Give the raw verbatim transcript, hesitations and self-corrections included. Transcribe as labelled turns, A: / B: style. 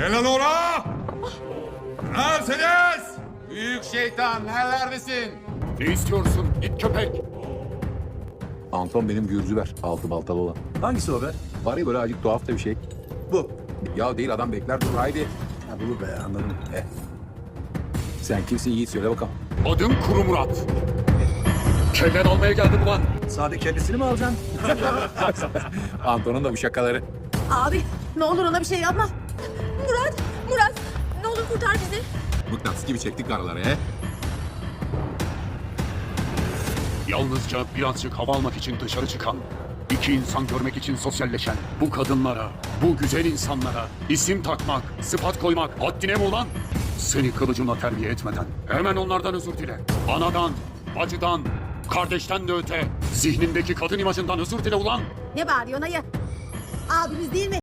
A: Helal ola! Neredesiniz?
B: Büyük şeytan nerelerdesin?
C: Ne istiyorsun it köpek?
D: Anton benim Gürzüver. Altı baltalı olan.
E: Hangisi o be?
D: Var ya böyle acık tuhaf da bir şey.
E: Bu.
D: Ya değil adam bekler dur haydi.
E: Ha, bu be anladım.
D: Eh. Sen kimsin Yiğit söyle bakalım.
C: Adım Kuru Murat. Kellen almaya geldim ulan.
E: Sade kellesini mi alacaksın?
D: Anton'un da bu şakaları.
F: Abi ne olur ona bir şey yapma. Murat, Murat ne olur kurtar bizi.
D: Mıknatıs gibi çektik karaları he.
C: Yalnızca birazcık hava almak için dışarı çıkan, iki insan görmek için sosyalleşen bu kadınlara, bu güzel insanlara isim takmak, sıfat koymak haddine mi ulan? Seni kılıcımla terbiye etmeden hemen onlardan özür dile. Anadan, bacıdan, kardeşten de öte zihnindeki kadın imajından özür dile ulan.
F: Ne bağırıyorsun ayı? Abimiz değil mi?